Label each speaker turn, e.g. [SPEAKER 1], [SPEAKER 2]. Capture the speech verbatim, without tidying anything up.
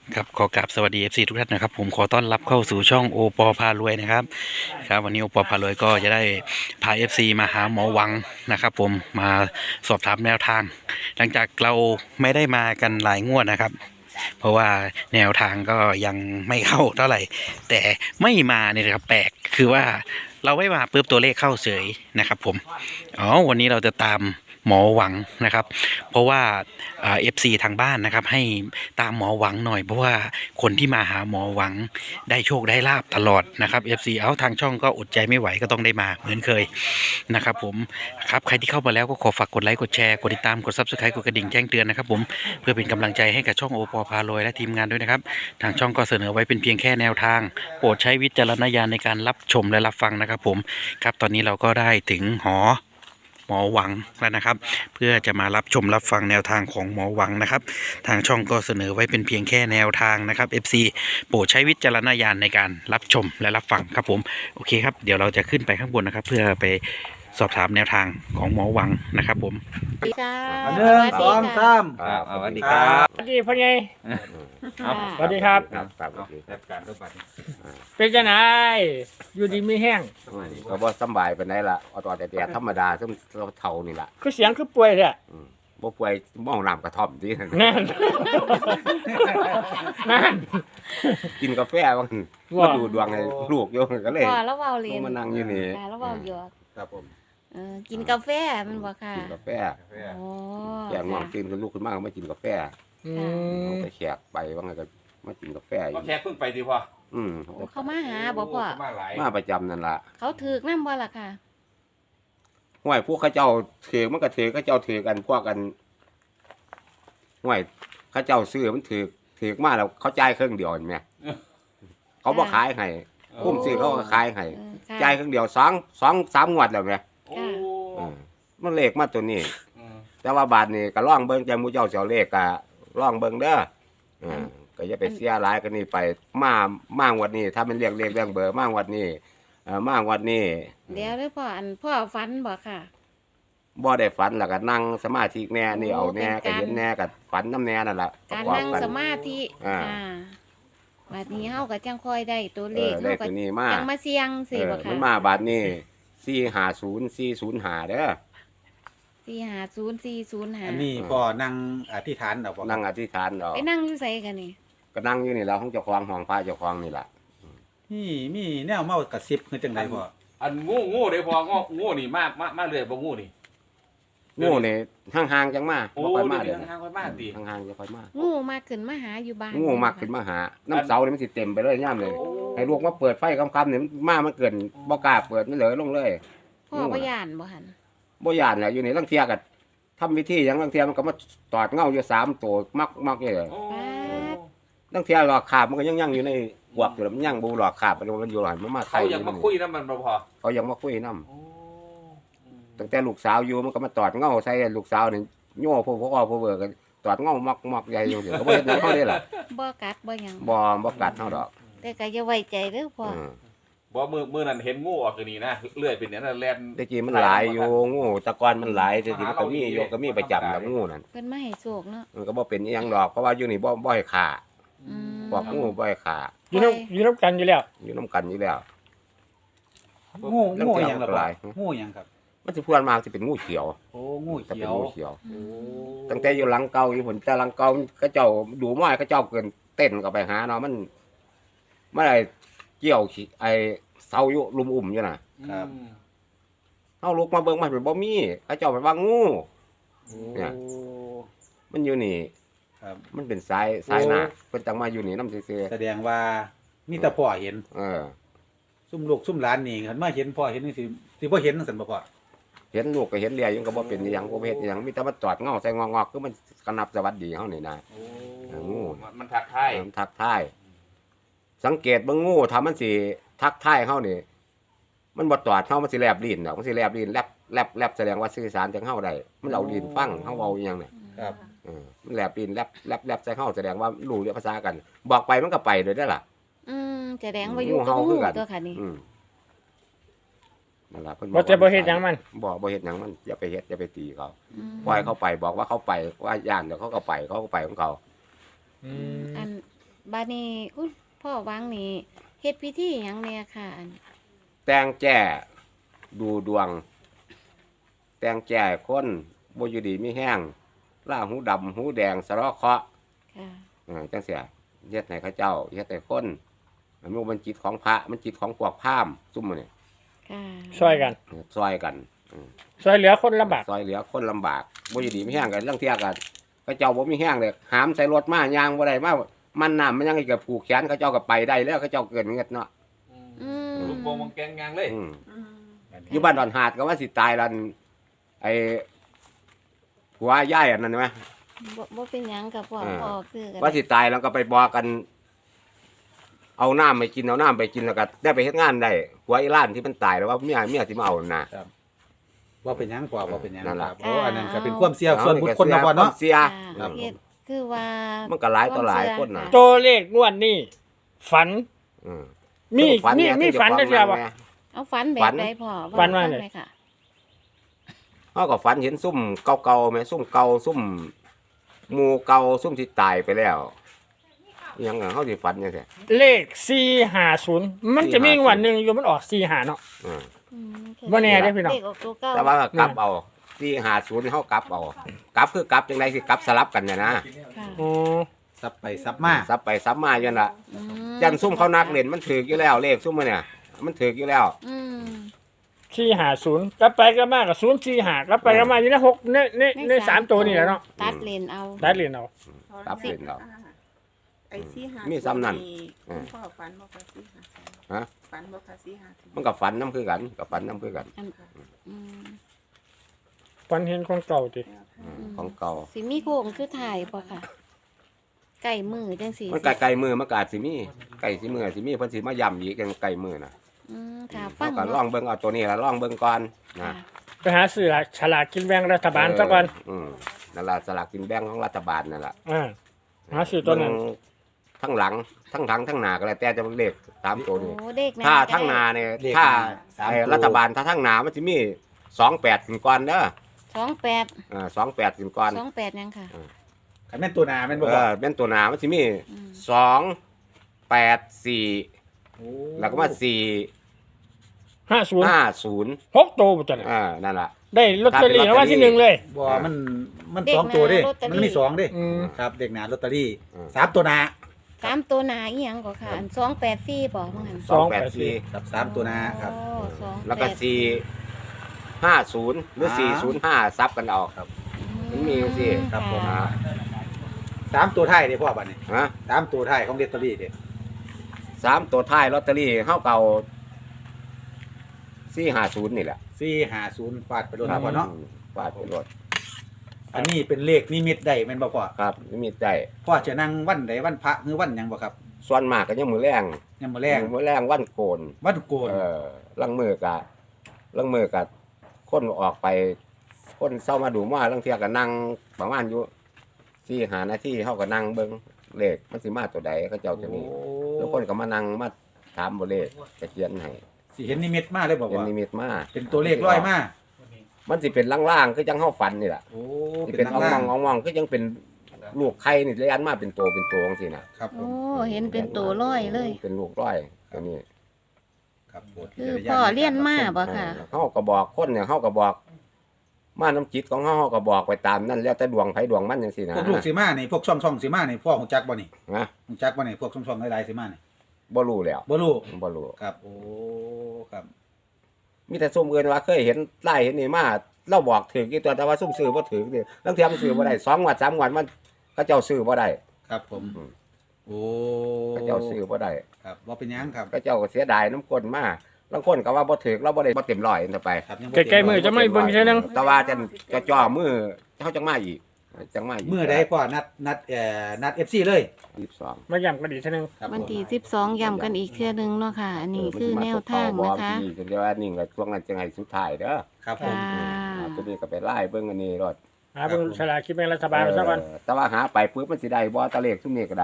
[SPEAKER 1] ครับขอกราบสวัสดี เอฟ ซี ทุกท่านนะครับผมขอต้อนรับเข้าสู่ช่องโอปอพารวยนะครับครับวันนี้โอปอพารวยก็จะได้พา เอฟ ซี มาหาหมอหวังนะครับผมมาสอบถามแนวทาง หลังจากเราไม่ได้มากันหลายงวดนะครับ เพราะว่าแนวทางก็ยังไม่เข้าเท่าไหร่ แต่ไม่มาเนี่ยนะครับแปลกคือว่าเราไม่มาปุ๊บตัวเลขเข้าเฉยนะครับผมอ๋อวันนี้เราจะตามหมอหวังนะครับ เพราะว่าเอฟซีทางบ้านนะครับให้ตามหมอหวังหน่อยเพราะว่าคนที่มาหาหมอหวังได้โชคได้ลาบตลอดนะครับ เอฟ ซี เอาทางช่องก็อดใจไม่ไหวก็ต้องได้มาเหมือนเคยนะครับผมครับใครที่เข้ามาแล้วก็ขอฝากกดไลค์กดแชร์กดติดตามกด ซับสไครบ์ กดกระดิ่งแจ้งเตือนนะครับผมเพื่อเป็นกำลังใจให้กับช่องโอปอพารวยและทีมงานด้วยนะครับทางช่องก็เสนอไว้เป็นเพียงแค่แนวทางโปรดใช้วิจารณญาณในการรับชมและรับฟังนะครับผมครับตอนนี้เราก็ได้ถึงหอหมอหวังแล้วนะครับเพื่อจะมารับชมรับฟังแนวทางของหมอหวังนะครับทางช่องก็เสนอไว้เป็นเพียงแค่แนวทางนะครับ เอฟ ซี โปรดใช้วิจารณญาณในการรับชมและรับฟังครับผมโอเคครับเดี๋ยวเราจะขึ้นไปข้างบนนะครับเพื่อไปสอบถามแนวทางของหมอหวังนะครับผม
[SPEAKER 2] สวัสดีค่ะ
[SPEAKER 3] อันหนึ่งสองสาม
[SPEAKER 4] ครับสวัสดีครับ
[SPEAKER 5] สวัสดีพ่อใหญ่
[SPEAKER 2] ค่ะ
[SPEAKER 5] สวัสดีครับ
[SPEAKER 4] ครับครับ
[SPEAKER 3] จัดการทุกบัตร
[SPEAKER 5] เป็นจังไงอยู่ดีไม่แห้ง
[SPEAKER 4] ก็บ่สำบายปานใดล่ะเอาตัวแต่แต่ธรรมดาซึ่งเราเท่านี่ล่ะ
[SPEAKER 5] คือเสียงคือป่วยเนี่ย
[SPEAKER 4] อืมบ่ป่วยมองน้ำกระท่อมที่
[SPEAKER 5] นั่น นั่น
[SPEAKER 4] กินกาแฟบาง
[SPEAKER 5] ว่า
[SPEAKER 4] มาดูดวงให้ลูกอยู่ก็เลย
[SPEAKER 2] ว่าแล้วเว้าเรียน
[SPEAKER 4] มานั่งอยู่นี่
[SPEAKER 2] ค่ะแล้วเว้าหยอก
[SPEAKER 3] ครับผม
[SPEAKER 2] เออกินกาแฟมันบ่ค่ะ
[SPEAKER 4] กินกาแฟ
[SPEAKER 2] โอ้
[SPEAKER 4] แกง่วงตื่นขึ้นลูกขึ้นมาก็มากินกาแฟ
[SPEAKER 5] อืม
[SPEAKER 4] เอาไปแขกไปว่าไงก็มากินกาแฟอ
[SPEAKER 3] ก็
[SPEAKER 4] ยู่
[SPEAKER 3] แค่เพิ่งไปดีพ่อ
[SPEAKER 4] อืม
[SPEAKER 2] โอ้เขามาหาบ่พ่อ
[SPEAKER 3] มาหลาย
[SPEAKER 4] มาประจำนั่นล่ะ
[SPEAKER 2] เขาถือกนำบ่ล่ะค่ะ
[SPEAKER 4] ห้วยพวกเขาเจ้าถือมันก็ถือเขาเจ้าถือกันพวกกันห้วยเขาเจ้าซื้อมันถือถือมาแล้วเขาจ่ายครึ่งเดียวเห็นไหมเขาบ่ขายให้คุ้มซื้อเขาก็ขายให้
[SPEAKER 2] เออค่ะ
[SPEAKER 4] จ่ายครึ่งเดียวสองสองสามงวดแล้วไหม
[SPEAKER 3] โอ้
[SPEAKER 4] เออมันเลขมาตัวนี้
[SPEAKER 3] อืม
[SPEAKER 4] แต่ว่าบาทนี่ก็ล่องเบิ่งใจหมูเจ้าเสียวเลขก็ล่องเบิ่งเด้อเออก็อย่าไปเสียหลายกันนี่ไปมามางวดนี้ ถ้ามันเรียกเลขเรื่องเบอร์มางวดนี้เออมางวดนี้
[SPEAKER 2] เดี๋ยวเด้อพ่ออันพ่อฝันบ่ค่ะ
[SPEAKER 4] บ่ได้ฝันแล้วก็นั่งสมาธิแน่นี่เอาแน่
[SPEAKER 2] เป็
[SPEAKER 4] ก็
[SPEAKER 2] นการ
[SPEAKER 4] เห็นแน่ก็ฝันน้ำแน่นั่นล่ะประ
[SPEAKER 2] การ
[SPEAKER 4] กอบ
[SPEAKER 2] นั่ง
[SPEAKER 4] กัน
[SPEAKER 2] สมาธิ
[SPEAKER 4] อ่า
[SPEAKER 2] อ่าบัดนี้เฮาก็จังค่อยได้ตัว
[SPEAKER 4] เอ
[SPEAKER 2] เลข
[SPEAKER 4] อได้
[SPEAKER 2] เฮาก็
[SPEAKER 4] ตัวนี้มา
[SPEAKER 2] จังมาเสี่ยง
[SPEAKER 4] เอ
[SPEAKER 2] สิ
[SPEAKER 4] อ
[SPEAKER 2] บ่
[SPEAKER 4] มั
[SPEAKER 2] ค่ะ
[SPEAKER 4] นมาบาทนี้สี่ห้าศูนย์สี่ศูนย์ห้าเด้อ
[SPEAKER 2] สี่ห้าศูนย์ สี่ศูนย์ห้า
[SPEAKER 3] อันนี้พอนั่งอธิษฐานเอาบ่
[SPEAKER 4] นั่งอธิษฐานเอา
[SPEAKER 2] ไปนั่งอยู่ไสกันนี่
[SPEAKER 4] ก็นั่งอยู่นี่แล้วของเจ้าของห้องพระเจ้าของนี่ล่ะ
[SPEAKER 3] มีมีแนวเมากระซิบคือจังไดพ่อ
[SPEAKER 5] อันงูงูเด้พองูงูนี่มามามาเลยบ่งูนี่
[SPEAKER 4] งูนี่ห่างๆจังมา
[SPEAKER 5] โอ้
[SPEAKER 4] บ่ค่อยมา
[SPEAKER 5] เดี๋
[SPEAKER 4] เด้
[SPEAKER 5] ยว
[SPEAKER 4] อ
[SPEAKER 5] ทางไปบ้านติ
[SPEAKER 4] ห่างๆจะค่อยมา
[SPEAKER 2] งูมาขึ้นมาหาอยู่บ้าน
[SPEAKER 4] งูมากขึ้นมาหา น้ำเสาเนี่ยมันสิเต็มไปเลยย่ำเลย ให้ลูกมาเปิดไฟคำๆเนี่ยมันมามันเกินบ่กล้าเปิดมันเหลือลงเลย
[SPEAKER 2] พ่อบ่ย่านบ่หั่น
[SPEAKER 4] บ่ย่านแหละอยู่นี่ลังเทียกัทำวิธีหยังลังเทียมันก็มาตอดเงาอยู่สามตัวมักมักเลย
[SPEAKER 5] โอ้
[SPEAKER 4] ลังเทียหลอกขาบมันก็ยังยังอยู่ในหวกอยู่แล้วมันยังบ่หลอกขาบมันมันอยู่หลอนมันมา
[SPEAKER 5] เขา
[SPEAKER 4] ไข่
[SPEAKER 5] ยังมาคุยนำมันบ่พอ
[SPEAKER 4] เขายังมาคุยนํ
[SPEAKER 5] โอ้
[SPEAKER 4] ตั้งแต่ลูกสาวอยู่มันก็มาตอดเงาใส่ลูกสาวนี่โย่พวกพวกอ้อพวกเบิกกันตอดเงามักมักใหญ่อยู่เดี๋ยวก็บ่เฮ็ดหยังเขาได้ล่ะ
[SPEAKER 2] บ่กัดบ่หยัง
[SPEAKER 4] บ่บ่กัดเฮาดอก
[SPEAKER 2] แต่ก็อย่าไว้ใจเด้อพ่อ
[SPEAKER 4] อืม
[SPEAKER 5] บ่มือมือนั้นเห็นงูออกอยู่นี่นะเลื่อยเป็นเนี่ยนั่นแล่น
[SPEAKER 4] แต่กี้มันหลายอยู่งูแตะกอนมันหลายแต่กี้มันก็มีอยู่ก็มีประจำแล้วงูนั่น
[SPEAKER 2] เพิ่นมาให้โชคเนาะ
[SPEAKER 4] มันก็บ่เป็นอิหยังดอกเพราะว่าอยู่นี่บ่บ่ให้ขา
[SPEAKER 2] อืม
[SPEAKER 4] บอกงูบ่ให้ขา
[SPEAKER 5] อยู่นำอยู่นำกันอยู่แล้ว
[SPEAKER 4] อยู่นํกันอยู่แล้ว
[SPEAKER 3] งูงูหยังล่ะ
[SPEAKER 4] ห
[SPEAKER 3] พ่อ
[SPEAKER 4] ลาย
[SPEAKER 3] งูหยังครับ
[SPEAKER 4] มันสิพวนมากสิเป็นงูเขียว
[SPEAKER 3] โอ้งู
[SPEAKER 4] จะ
[SPEAKER 3] เขี
[SPEAKER 4] เป็น
[SPEAKER 3] ยว
[SPEAKER 4] งูเขียว
[SPEAKER 2] อื
[SPEAKER 5] โอ้
[SPEAKER 2] ม
[SPEAKER 4] ตั้งแต่อยู่หลังเก่าอยู่ผลแต่หลังเก่าเขาเจ้าดูม้อยเขาเจ้าเกินเต้นก็ไปหาเนาะมันมันไอ้เกี่ยวขี้ไอ้เสาอยู่ลุมอุ่มอยู่น่ะ
[SPEAKER 3] ครับ
[SPEAKER 4] เฮาลุกมาเบิ่งมันเป็นบ่มีเขาเจ้าไปว่างู เนี่ย มันอยู่นี่
[SPEAKER 3] ครับ
[SPEAKER 4] มันเป็นสายสายหน้าเพิ่นจังมาอยู่นี่นำซื่อ
[SPEAKER 3] แสดงว่ามีแต่พ่อเห็น
[SPEAKER 4] ๆเออ
[SPEAKER 3] ซุ่มลูกซุ่มหลานนี่คันมาเห็นพ่อเห็นนี่สิสิบ่เห็นจังซั่นบ่พ่อ
[SPEAKER 4] เห็นลูกก็เห็นเลียยังก็บ่เป็นอิหยังบ่เฮ็ดอิหยังมีแต่มาจอดเงาใส่งอกๆคือมันกระนับสวัสดีเฮานี่นะ
[SPEAKER 5] โอ้
[SPEAKER 4] เอองู
[SPEAKER 5] มันมันทักทาย
[SPEAKER 4] มันทักทาย สังเกตเบิ่งงูถ้ามันสิทักทายเฮานี่มันบ่ตอดเฮามันสิแลบลิ้นดอกมันสิแลบลิ้นแลบแลบแลบแสดงว่าสื่อสารจังเฮาได้มันเอาลิ้นฟังเฮาเว้าอีหยังเนี่ย
[SPEAKER 3] ครับ
[SPEAKER 4] เออมันแลบลิ้นแลบแลบแลบใส่เฮาแสดงว่ารู้เรื่องภาษากัน บอกไปมันก็ไปเลยได้อล่ะ
[SPEAKER 2] อืมแสดงว่าอยู่
[SPEAKER 4] งู
[SPEAKER 2] กับ
[SPEAKER 4] เห่า
[SPEAKER 2] งู
[SPEAKER 4] คือกัน
[SPEAKER 2] ตัวค่ะนี่
[SPEAKER 4] อืมนั่นล่ะเพิ่น
[SPEAKER 5] บ่จะบ่เฮ็ดหยังมัน
[SPEAKER 4] บ่บ่เฮ็ดหยังมันอย่าไปเฮ็ดอย่าไปตีเขา
[SPEAKER 2] อืม
[SPEAKER 4] ปล่อยเขาไปบอกว่าเขาไปว่าย่านเดี๋ยวเขาก็ไปเขาก็ไปของเขา
[SPEAKER 5] อืม
[SPEAKER 2] อันบาดนี้คุณพ่อหวังนี่เฮ็ดพิธีหยังแน่ค่ะอัน
[SPEAKER 4] แต่งแจ้ดูดวง แต่งแจ้คนบ่อยู่ดีมีแห้งล่าหูดำหูแดงสะเลาะเคราะห์
[SPEAKER 2] ค่ะ
[SPEAKER 4] เออจังเสียเฮ็ดให้เขาเจ้าเฮ็ดให้คนมันบ่มันจิตของพระมันจิตของพวกพราหมณ์ซุ่มมื้อนี่
[SPEAKER 2] ค่ะ
[SPEAKER 6] ช่วยกัน
[SPEAKER 4] เออซอยกันเออ
[SPEAKER 6] ช่วยเหลือคนลำบาก
[SPEAKER 4] ซอยเหลือคนลำบากบ่อยู่ดีมีแห้งกันเรื่องเที่ยกันเขาเจ้าบ่มีแห้งเลยหามใส่รถมายางบ่ได้มามันน้ำมันยังอีกก็ผูกแขนเขาเจ้าก็ไปได้แล้วเขาเจ้าเกินเงินเนาะ
[SPEAKER 2] อืม
[SPEAKER 5] ลูกโป่งมังแกงยางเลย
[SPEAKER 4] อืมอยู่บ้านดอนหาดก็ว่าสิตายแล้วไอ้ผัวย่ายอันนั้นใช่ไหม
[SPEAKER 2] บ่บ่เป็นหยังกับพ่อ
[SPEAKER 4] เออ
[SPEAKER 2] พ่อคือกัน
[SPEAKER 4] ว่าสิตายแล้วก็ไปบอกกัน เอาน้ำไปกินเอาน้ำไปกินแล้วก็ได้ไปเฮ็ดงานได้ผัวอีล้านที่มันตายแล้วว่าเมียเมียที่มาเอาน่ะ
[SPEAKER 3] ว่าเป็นหยังกว่าว่าเป็นหยัง
[SPEAKER 4] นั่น
[SPEAKER 3] ค
[SPEAKER 4] ล่ะ
[SPEAKER 3] รับโอ้อันนั้นก็เป็นความเสี่ยงส่วนบุคคลนะพ่อเนาะ
[SPEAKER 4] เสีย
[SPEAKER 2] ค่ะ
[SPEAKER 4] อืม
[SPEAKER 2] เฮ็ดคือว่า
[SPEAKER 4] มันก็หลายต่อหลายคนน่ะ
[SPEAKER 6] ตัวเลขงวดนี้ฝัน
[SPEAKER 4] อืม
[SPEAKER 6] มี
[SPEAKER 4] ฝัน
[SPEAKER 6] มี
[SPEAKER 4] เนี่ย
[SPEAKER 6] มี
[SPEAKER 4] ที่
[SPEAKER 6] ฝันได้
[SPEAKER 4] เจ้า
[SPEAKER 6] ใช่
[SPEAKER 4] ของ
[SPEAKER 6] ป่ะ
[SPEAKER 4] แม่
[SPEAKER 2] เอาฝันแบ
[SPEAKER 4] ฝั
[SPEAKER 2] บ
[SPEAKER 4] น
[SPEAKER 2] ใดพ่อ
[SPEAKER 6] ฝันว่าไง
[SPEAKER 2] หอยค่ะ
[SPEAKER 4] เขาก็ฝันเห็นซุ่มเก่าๆแม่ซุ่มเก่าซุ่มหมู่เก่าซุ่มที่ตายไปแล้วอิหยังอะเขาสิฝันจังซี่
[SPEAKER 6] เลขสี่ห้าศูนย์มันจะมีงวันหนึ่งอยู่มันออกสี่ห้าเนาะ
[SPEAKER 4] อืม
[SPEAKER 2] อืม
[SPEAKER 6] บ่แน่เด้อพี่น้อง
[SPEAKER 2] เลขออกตัวเก้า
[SPEAKER 4] แต่ว่าก็กลับเอาที่หาศูนย์เขากลับเอากลับคือกลับจังไดคือกลับสลับกันเนี่ยนะ
[SPEAKER 2] ค่ะ
[SPEAKER 6] อ๋อ
[SPEAKER 3] ซับไปซับมา
[SPEAKER 4] ซับไปซับมาจังละ
[SPEAKER 2] อืม
[SPEAKER 4] ยันซุ่มเขานักเล่นมันถือกอยู่แล้วเลขซุ่มมันเนี่ย มันถือกอยู่แล้ว
[SPEAKER 2] อืม
[SPEAKER 6] สี่ห้าศูนย์กลับไปกลับมากับศูนย์สี่ห้ากลับไปกลับมาอยู่ในหกในในในสามตัวนี่แหละเนาะ
[SPEAKER 2] ตัดเลนเอา
[SPEAKER 6] ได้เหรียญเอา
[SPEAKER 4] กลับเล่นเรา
[SPEAKER 7] ไอ้สี่ห้า
[SPEAKER 4] มีซ้ำนั่น
[SPEAKER 7] คุ
[SPEAKER 4] อืม
[SPEAKER 7] ณพ่อฝันบ่คะสี่ห้า
[SPEAKER 4] ฮะ
[SPEAKER 7] ฝันบ่คะสี่ห้า
[SPEAKER 4] มันกับฝันน้ำคือกันกับฝันน้ำคือกัน
[SPEAKER 2] อันอืม
[SPEAKER 6] ฝันเห็นของเก่าติ
[SPEAKER 4] อืมของเก่า
[SPEAKER 2] สิมีโค้งคือถ่ายป่ะค่ะไก่มือจังสี
[SPEAKER 4] มันไก่ไก่มือมันกอาจสิมีไก่สิมือสิมีเพิ่นสิมาย่ำอีกกันไก่มือน่ะ
[SPEAKER 2] อืมค่ะฟั
[SPEAKER 4] เขา
[SPEAKER 2] ง
[SPEAKER 4] ก็ลองเบิ่งเอาตัวนี้ละลองเบิ่งก่อนนะ
[SPEAKER 2] ค่ะ
[SPEAKER 6] ไปหาซื้อฉลากกินแบ่งรัฐบาลซะก่อน
[SPEAKER 4] อืมนั่นล่ะสลากกินแบ่งของรัฐบาลนั่นล่ะ
[SPEAKER 6] อ่าหาซื้อตัวนั้น
[SPEAKER 4] เบิ่งทั้งหลังทั้งหลังทั้งหน้าก็แล้วแต่จะเลขตามตัวนี้
[SPEAKER 2] โอ้เด็กนะ
[SPEAKER 4] ถ้าทั้งหนาเนี่ย
[SPEAKER 3] เลข
[SPEAKER 4] ถ้า
[SPEAKER 3] สาม
[SPEAKER 4] ไอ้
[SPEAKER 3] ตัว
[SPEAKER 4] รัฐบาลถ้าทั้งหนามันจะมีสองแปดถึงก่อนเด้อ
[SPEAKER 2] สองแปด
[SPEAKER 4] อ่าสองแปดถึงก่อน
[SPEAKER 2] สองแปดยังค่ะ
[SPEAKER 3] คันแม่นตัวหนาแม่นบ่
[SPEAKER 4] เอ
[SPEAKER 3] พ่อ
[SPEAKER 4] อเป็นตัวหนามันจะมี
[SPEAKER 2] อืม
[SPEAKER 4] สองแปดสี่
[SPEAKER 3] โอ้
[SPEAKER 4] แล้วก็มาสี่
[SPEAKER 6] ห้าศูนย์
[SPEAKER 4] ห้าศูนย์
[SPEAKER 6] หกตัวบ่จัง
[SPEAKER 4] อ่านั่นแหละ
[SPEAKER 6] ได้ลอตเตอรี่รางวัลที่หนึ่งเลย
[SPEAKER 3] บ่มันมันสองตัวเด้มันมีสองเด้
[SPEAKER 6] อืม
[SPEAKER 3] ครับเด็กหนาลอตเตอรี่
[SPEAKER 4] อืม
[SPEAKER 3] สามตัวหนา
[SPEAKER 2] สามตัวหนาอีหยังก็ค่ะอันสองแปดสี่บอกมั้งหัน
[SPEAKER 4] สองแปดสี่
[SPEAKER 3] ครับสามตัวหนาครับ
[SPEAKER 2] โอ้สอง
[SPEAKER 4] แล้วก็
[SPEAKER 2] ปด
[SPEAKER 4] สี่ห้าศูนย์หรือ
[SPEAKER 3] อ่า
[SPEAKER 4] สี่ศูนย์ห้าซับกันเอาครับ มันมีสิ
[SPEAKER 3] ครับผม
[SPEAKER 4] อ่า
[SPEAKER 3] สามตัวท้ายเด้พ่อบัดนี้
[SPEAKER 4] ฮะ
[SPEAKER 3] สามตัวท้ายของลอตเตอรี่เด้
[SPEAKER 4] สามตัวท้ายลอตเตอรี่เฮาเก่าสี่ห้าศูนย์นี่แหละ
[SPEAKER 3] สี่ห้าศูนย์ฟาดไปโดนนะพ่อเนาะ
[SPEAKER 4] ฟาดไปรถ
[SPEAKER 3] อันนี้เป็นเลขนิมิตได้แม่นบ่พ่อ
[SPEAKER 4] ครับไม่มีใจ
[SPEAKER 3] พ่อจะนั่งวันใดวันพระหรือวันหยังบ่ครับ
[SPEAKER 4] ส่วนมากก็ยังมือแรง
[SPEAKER 3] ยังมื้อแรง
[SPEAKER 4] มือแรงวันโกน
[SPEAKER 3] วันโกน
[SPEAKER 4] เออลังมือกะลังมือกะคนออกไป คนเศร้ามาดูว่าลังเทียก็นั่งประมาณอยู่สี่หานาทีเขาก็นั่งเบิ้งเลขมันสิมาตัวใดเขาเจ้าตัวนี้แล้วคนก็มานั่งมาถามบ่เลขจะเขียนให้
[SPEAKER 3] สิเห็นนิมิตมาเลยบ่
[SPEAKER 4] เป็น
[SPEAKER 3] ว่า
[SPEAKER 4] นิมิตมา
[SPEAKER 3] เป็นตัวเลขร้อยมา
[SPEAKER 4] มันสิเป็นล่างๆคือจังเฮาฝันนี่แหละ
[SPEAKER 3] โอ้
[SPEAKER 4] สิ
[SPEAKER 3] เป็
[SPEAKER 4] เป็น น
[SPEAKER 3] ล่าง
[SPEAKER 4] อ่
[SPEAKER 3] ล่า
[SPEAKER 4] อง งๆอ่องๆคือยังเป็นลูกไข่นี่เลยอันมาเป็นตัวเป็นตัวจังซี่น่ะ
[SPEAKER 3] ครับผ
[SPEAKER 2] โอ้
[SPEAKER 3] ม
[SPEAKER 2] เห็นเป็นตัวร้อยเลย
[SPEAKER 4] เป็นลูกร้อยตัวนี้
[SPEAKER 3] ครับโปรด
[SPEAKER 2] คือ
[SPEAKER 3] วิจารณญาณ
[SPEAKER 2] พ่อเลี้ยนมาบ่ค่ะ
[SPEAKER 4] เฮาก็บอกคนเนี่ยเฮาก็บอก มาน้ำจิตของเฮาเฮาก็บอกไปตามนั่นแล้วแต่ดวงไผดวงมันจังซี่นะ
[SPEAKER 3] พวกลูกสิมานี่พวกช่องช่องสิมานี่พ่อฮู้จักบ่นี่
[SPEAKER 4] นะ
[SPEAKER 3] ฮู้จักบ่นี่พวกช่องช่องหลายๆสิมานี่
[SPEAKER 4] บ่รู้แล้ว
[SPEAKER 3] บ่รู้
[SPEAKER 4] บ่รู้
[SPEAKER 3] ครับโอ้ครับ
[SPEAKER 4] มีแต่ซุ่มเอิ้นว่าเคยเห็นไล่เห็นนี่มาเราบอกถึงอีตัวแต่ว่าซุ่มซื้อบ่ถึงนี่บางเทีมันซื้อบ่ได้สองงวดสามงวดมันเขาเจ้าซื้อบ่ได้
[SPEAKER 3] ครับผม
[SPEAKER 4] อืม
[SPEAKER 3] โอ้
[SPEAKER 4] เขาเจ้าซื้อบ่ได้
[SPEAKER 3] ครับบ่เป็นหยังครับ
[SPEAKER 4] เขาเจ้าก็เสียดายน้ำก้นมาบางคนก็ว่าบ่ถึงเราบ่ได้บ่เต็มร้อยนั่นไป
[SPEAKER 3] ครับยังบ่
[SPEAKER 6] ใกล้ๆมือจะไม่เบิ่งเท่านึง
[SPEAKER 4] แต่ว่าจะจะจ่อมือเขาจังมาอีกจังมาอีก
[SPEAKER 3] มื้อใดพ่อนัดนัดเอ่อนัด เอฟ ซี เลย
[SPEAKER 4] ยี่สิบสอง
[SPEAKER 6] มาย้ำกันอีกเท่านึง
[SPEAKER 3] ครับ
[SPEAKER 2] วัน
[SPEAKER 3] ผม
[SPEAKER 2] ที่สิบสองย้ำกันอีกเทื่อนึงเนาะค่ะ อันนี้คือแนวทางนะคะ
[SPEAKER 4] เดี๋ยวอันนี้ก็ช่วงนั้นจังไห้สุดท้ายเด้อ
[SPEAKER 3] ครับผม
[SPEAKER 2] ค่ะ
[SPEAKER 4] อ่าตัวนี้ก็ไปไล่เบิ่งอันนี้รถ
[SPEAKER 6] หาเบิ่งฉลากกินแบ่งรัฐบาลซะก่อน
[SPEAKER 4] เออแต่ว่าหาไปปุ๊บมันสิได้บ่ตะเลขซุมนี้ก็ได้